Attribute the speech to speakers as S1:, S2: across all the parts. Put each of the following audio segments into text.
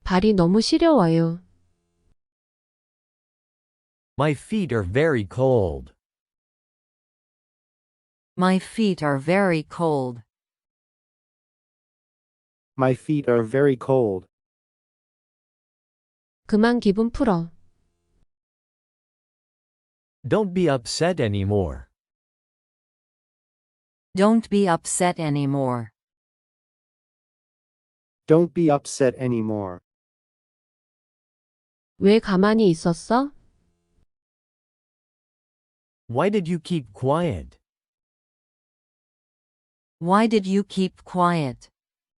S1: 발이 너무 시려워요.
S2: My feet are very cold.
S3: My feet are very cold.
S4: My feet are very cold.
S1: 그만 기분 풀어.
S2: Don't be upset anymore.
S3: Don't be upset anymore.
S4: Don't be upset anymore.
S1: 왜 가만히 있었어?
S2: Why did you keep quiet?
S3: Why did you keep quiet?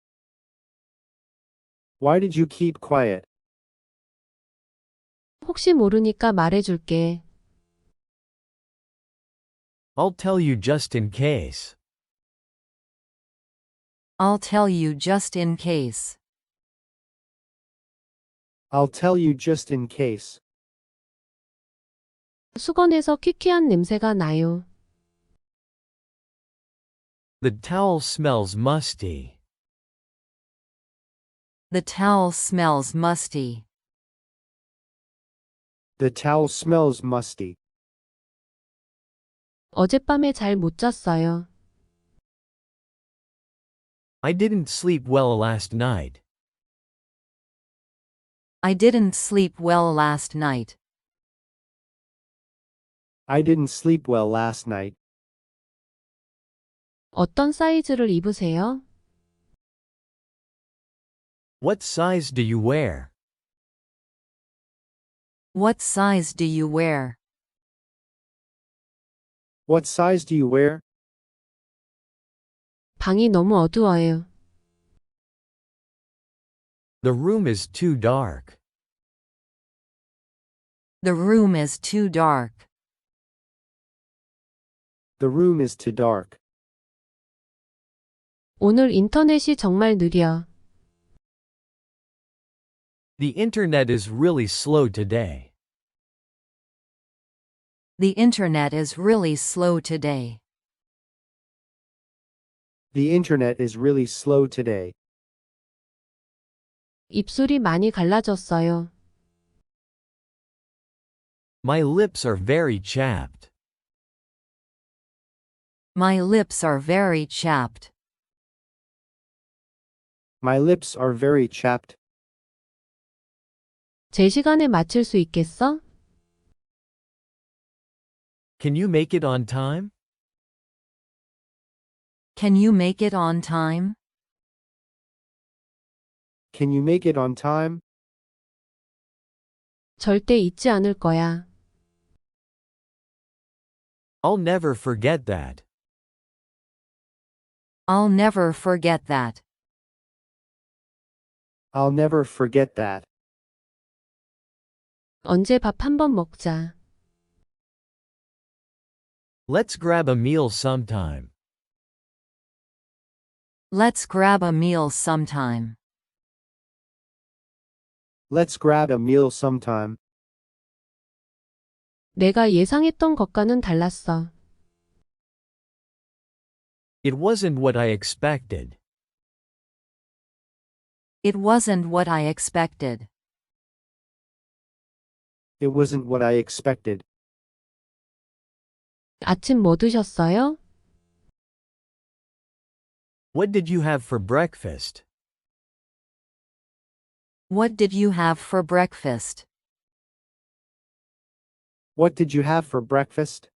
S4: Why did you keep quiet?
S1: 혹시 모르니까 말해줄게.
S2: I'll tell you just in case.
S3: I'll tell you just in case.
S4: I'll tell you just in case.
S1: 수건에서 퀴퀴한 냄새가 나요.
S2: The towel smells musty.
S3: The towel smells musty.
S4: The towel smells musty.
S1: 어젯밤에 잘 못 잤어요.
S2: I didn't sleep well last night.
S3: I didn't sleep well last night.
S4: I didn't sleep well last night.
S1: 어떤 사이즈를 입으세요?
S2: What size do you wear?
S3: What size do you wear?
S4: What size do you wear?
S1: 방이 너무 어두워요.
S2: The room is too dark.
S3: The room is too dark.
S4: The room is too dark.
S1: 오늘 인터넷이 정말 느려.
S2: The internet is really slow today.
S3: The internet is really slow today.
S4: The internet is really slow today.
S1: 입술이 많이 갈라졌어요.
S2: My lips are very chapped.
S3: My lips are very chapped.
S4: My lips are very chapped.
S1: 제 시간에 맞출 수 있겠어?
S2: Can you make it on time?
S3: Can you make it on time?
S4: Can you make it on time?
S1: 절대 잊지 않을 거야.
S2: I'll never forget that.
S3: I'll never forget that.
S4: I'll never forget that.
S1: 언제 밥 한 번 먹자.
S2: Let's grab a meal sometime.
S3: Let's grab a meal sometime.
S4: Let's grab a meal sometime.
S1: 내가 예상했던 것과는 달랐어.
S2: It wasn't what I expected.
S3: It wasn't what I expected.
S4: It wasn't what I expected.
S1: 아침 뭐 드셨어요?
S2: What did you have for breakfast?
S3: What did you have for breakfast?
S4: What did you have for breakfast?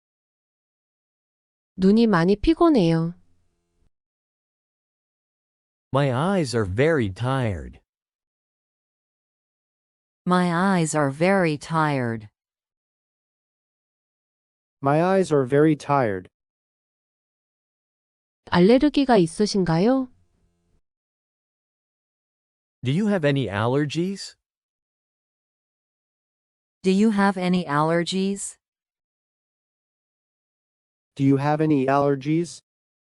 S1: 눈이 많이 피곤해요.
S2: My eyes are very tired.
S3: My eyes are very tired.
S4: My eyes are very tired.
S1: 알레르기가 있으신가요?
S2: Do you have any allergies?
S3: Do you have any allergies?
S4: Do you have any allergies?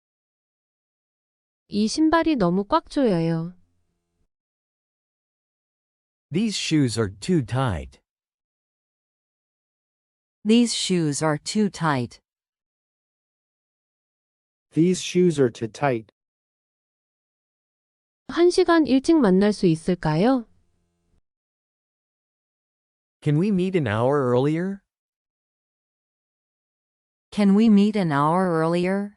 S1: 이 신발이 너무 꽉 조여요.
S2: These shoes are too tight.
S3: These shoes are too tight.
S4: These shoes are too tight.
S1: 1시간 일찍 만날 수 있을까요?
S2: Can we meet an hour earlier?
S3: Can we meet an hour earlier?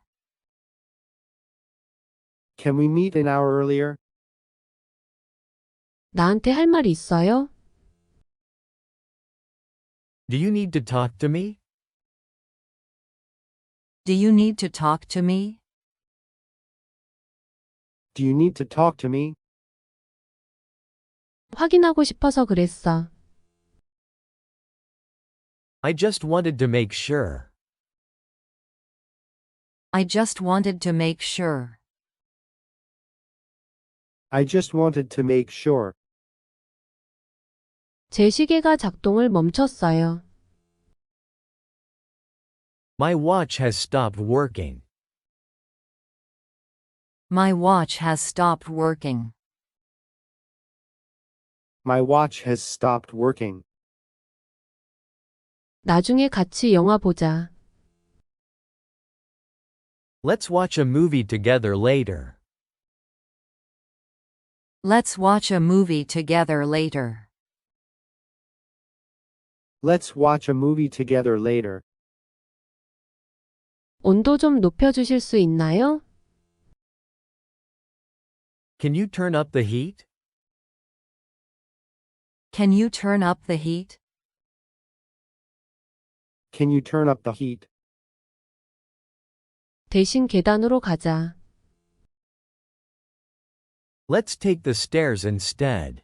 S4: Can we meet an hour earlier?
S1: 나한테 할 말 있어요?
S2: Do you need to talk to me?
S3: Do you need to talk to me?
S4: Do you need to talk to me?
S1: 확인하고 싶어서 그랬어.
S2: I just wanted to make sure.
S3: I just wanted to make sure.
S4: I just wanted to make sure.
S1: 제 시계가 작동을 멈췄어요.
S2: My watch has stopped working.
S3: My watch has stopped working.
S4: My watch has stopped working.
S1: 나중에 같이 영화 보자.
S2: Let's watch a movie together later.
S3: Let's watch a movie together later.
S4: Let's watch a movie together later.
S1: 온도 좀 높여주실 수 있나요?
S2: Can you turn up the heat?
S3: Can you turn up the heat?
S4: Can you turn up the heat?
S1: 대신 계단으로 가자.
S2: Let's take the stairs instead.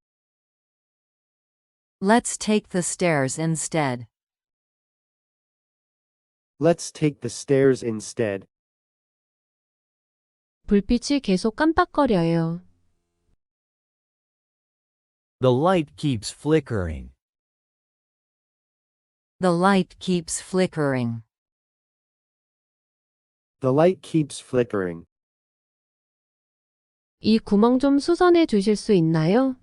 S3: Let's take the stairs instead.
S4: Let's take the stairs instead.
S1: 불빛이 계속 깜빡거려요.
S2: The light keeps flickering.
S3: The light keeps flickering.
S4: The light keeps flickering.
S1: 이 구멍 좀 수선해 주실 수 있나요?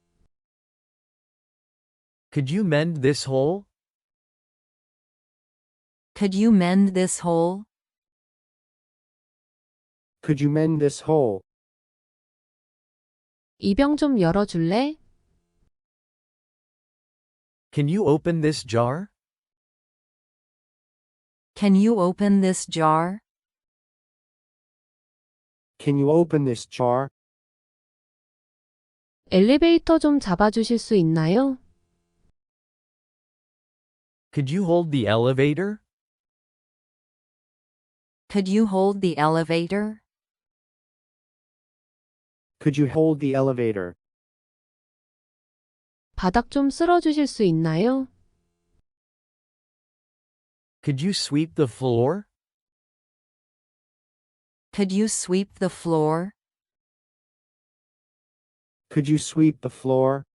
S2: Could you mend this hole?
S3: Could you mend this hole?
S4: Could you mend this hole?
S1: 이 병 좀 열어줄래?
S2: Can you open this jar?
S3: Can you open this jar?
S4: Can you open this jar?
S1: 엘리베이터 좀 잡아주실 수 있나요?
S2: Could you hold the elevator?
S3: Could you hold the elevator?
S4: Could you hold the elevator?
S1: 바닥 좀 쓸어주실 수 있나요?
S2: Could you sweep the floor?
S3: Could you sweep the floor?
S4: Could you sweep the floor?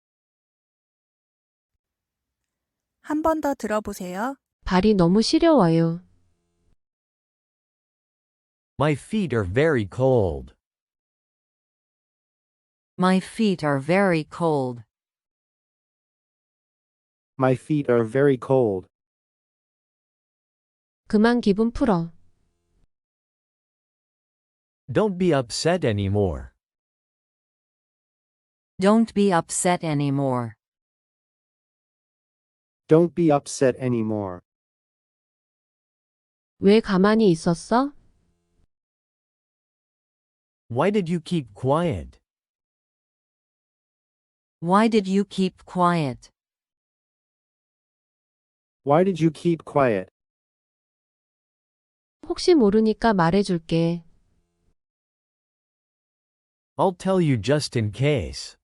S5: 한 번 더 들어보세요.
S1: 발이 너무 시려워요.
S2: My feet are very cold.
S3: My feet are very cold.
S4: My feet are very cold.
S1: 그만 기분 풀어.
S2: Don't be upset anymore.
S3: Don't be upset anymore.
S4: Don't be upset anymore.
S1: 왜 가만히 있었어?
S2: Why did you keep quiet?
S3: Why did you keep quiet?
S4: Why did you keep quiet?
S1: 혹시 모르니까 말해줄게.
S2: I'll tell you just in case.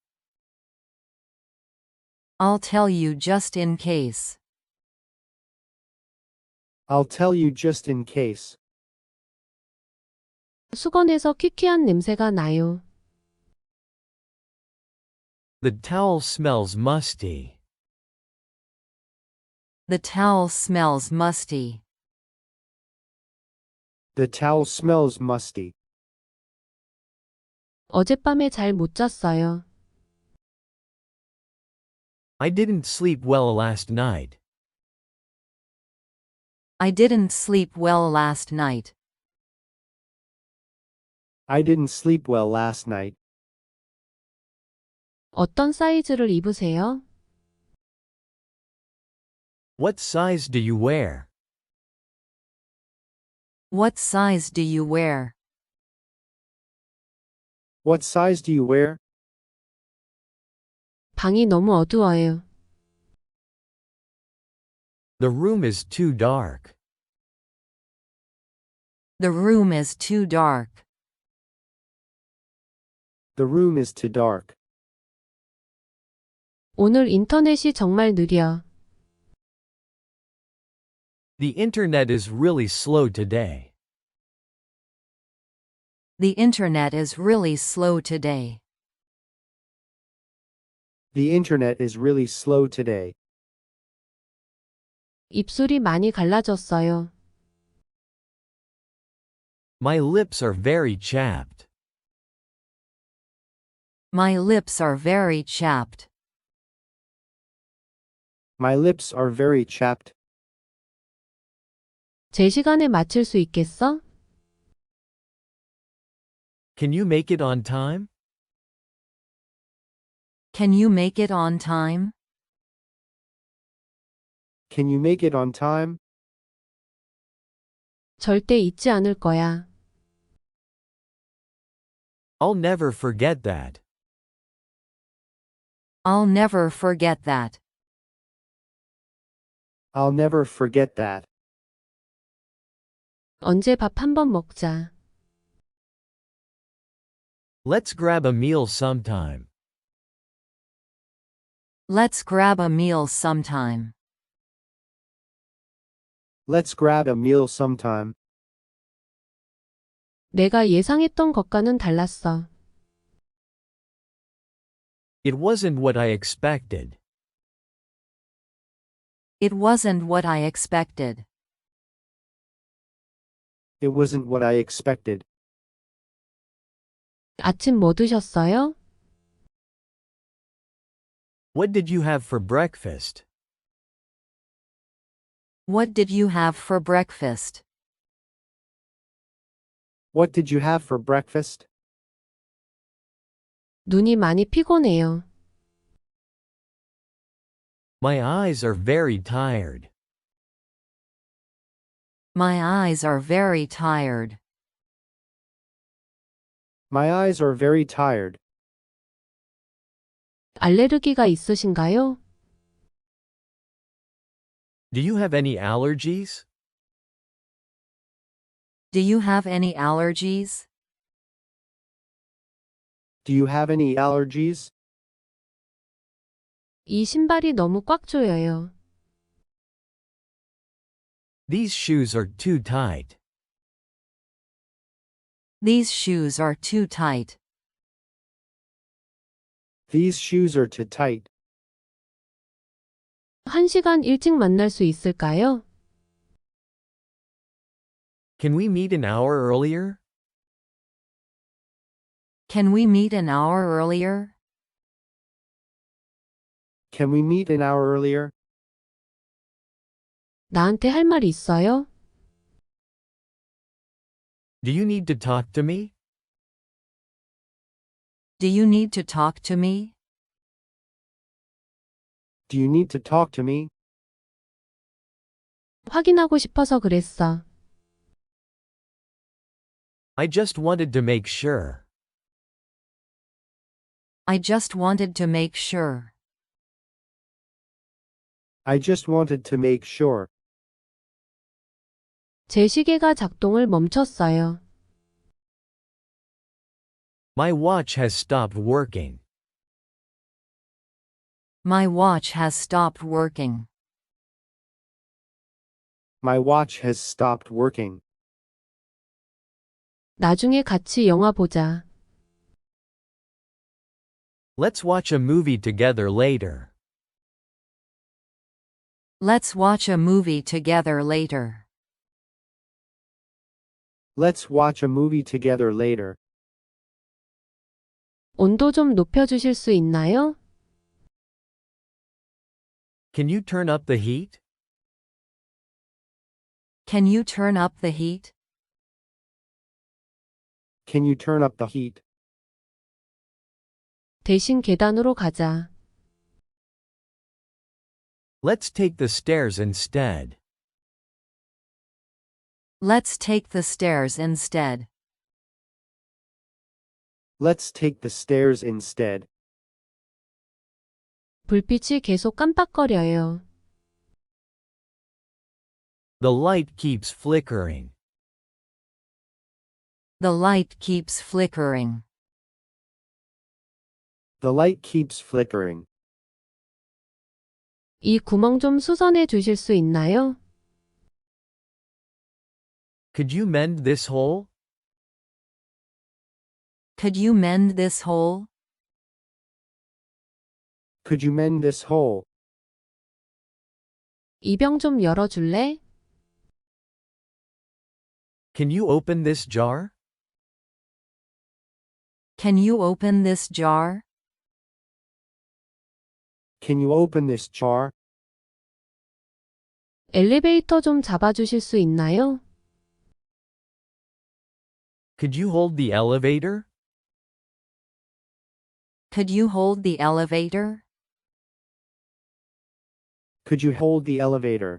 S3: I'll tell you just in case.
S4: I'll tell you just in case.
S1: 수건에서 퀴퀴한 냄새가 나요.
S2: The towel smells musty.
S3: The towel smells musty.
S4: The towel smells musty.
S1: 어젯밤에 잘 못 잤어요.
S2: I didn't sleep well last night.
S3: I didn't sleep well last night.
S4: I didn't sleep well last night.
S1: 어떤 사이즈를 입으세요?
S2: What size do you wear?
S3: What size do you wear?
S4: What size do you wear?
S1: 방이 너무 어두워요.
S2: The room is too dark.
S3: The room is too dark.
S4: The room is too dark.
S1: 오늘 인터넷이 정말 느려.
S2: The internet is really slow today.
S3: The internet is really slow today.
S4: The internet is really slow today.
S1: 입술이 많이 갈라졌어요.
S2: My lips are very chapped.
S3: My lips are very chapped.
S4: My lips are very chapped.
S1: 제 시간에 마칠 수 있겠어?
S2: Can you make it on time?
S3: Can you make it on time?
S4: Can you make it on time?
S1: 절대 잊지 않을 거야.
S2: I'll never forget that.
S3: I'll never forget that.
S4: I'll never forget that.
S1: 언제 밥 한 번 먹자.
S2: Let's grab a meal sometime.
S3: Let's grab a meal sometime.
S4: Let's grab a meal sometime.
S1: 내가 예상했던 것과는 달랐어.
S2: It wasn't what I expected.
S3: It wasn't what I expected.
S4: It wasn't what I expected.
S1: 아침 뭐 드셨어요?
S2: What did you have for breakfast?
S3: What did you have for breakfast?
S4: What did you have for breakfast?
S1: 눈이 많이 피곤해요.
S2: My eyes are very tired.
S3: My eyes are very tired.
S4: My eyes are very tired.
S1: 알레르기가 있으신가요?
S2: Do you have any allergies?
S3: Do you have any allergies?
S4: Do you have any allergies?
S1: 이 신발이 너무 꽉 조여요.
S2: These shoes are too tight.
S3: These shoes are too tight.
S4: These shoes are too tight.
S1: 1시간 일찍 만날 수 있을까요?
S2: Can we meet an hour earlier?
S3: Can we meet an hour earlier?
S4: Can we meet an hour earlier?
S1: 나한테 할 말 있어요?
S2: Do you need to talk to me?
S3: Do you need to talk to me?
S4: Do you need to talk to me?
S1: 확인하고 싶어서 그랬어.
S2: I just wanted to make sure.
S3: I just wanted to make sure.
S4: I just wanted to make sure.
S1: 제 시계가 작동을 멈췄어요.
S2: My watch has stopped working.
S3: My watch has stopped working.
S4: My watch has stopped working.
S1: 나중에 같이 영화 보자.
S2: Let's watch a movie together later.
S3: Let's watch a movie together later.
S4: Let's watch a movie together later.
S1: 온도 좀 높여주실 수 있나요?
S2: Can you turn up the heat?
S3: Can you turn up the heat?
S4: Can you turn up the heat?
S1: 대신 계단으로 가자.
S2: Let's take the stairs instead.
S3: Let's take the stairs instead.
S4: Let's take the stairs instead.
S1: 불빛이 계속 깜빡거려요.
S2: The light keeps flickering.
S3: The light keeps flickering.
S4: The light keeps flickering.
S1: 이 구멍 좀 수선해 주실 수 있나요?
S2: Could you mend this hole?
S3: Could you mend this hole?
S4: Could you mend this hole?
S1: 이 병 좀 열어줄래?
S2: Can you open this jar?
S3: Can you open this jar?
S4: Can you open this jar?
S1: 엘리베이터 좀 잡아주실 수 있나요?
S2: Could you hold the elevator?
S3: Could you hold the elevator?
S4: Could you hold the elevator?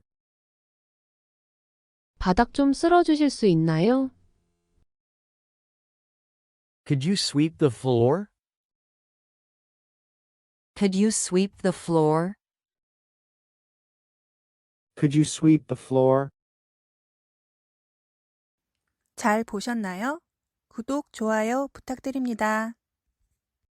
S1: 바닥 좀 쓸어주실 수 있나요?
S2: Could you sweep the floor?
S3: Could you sweep the floor?
S4: Could you sweep the floor?
S5: 잘 보셨나요? 구독, 좋아요 부탁드립니다.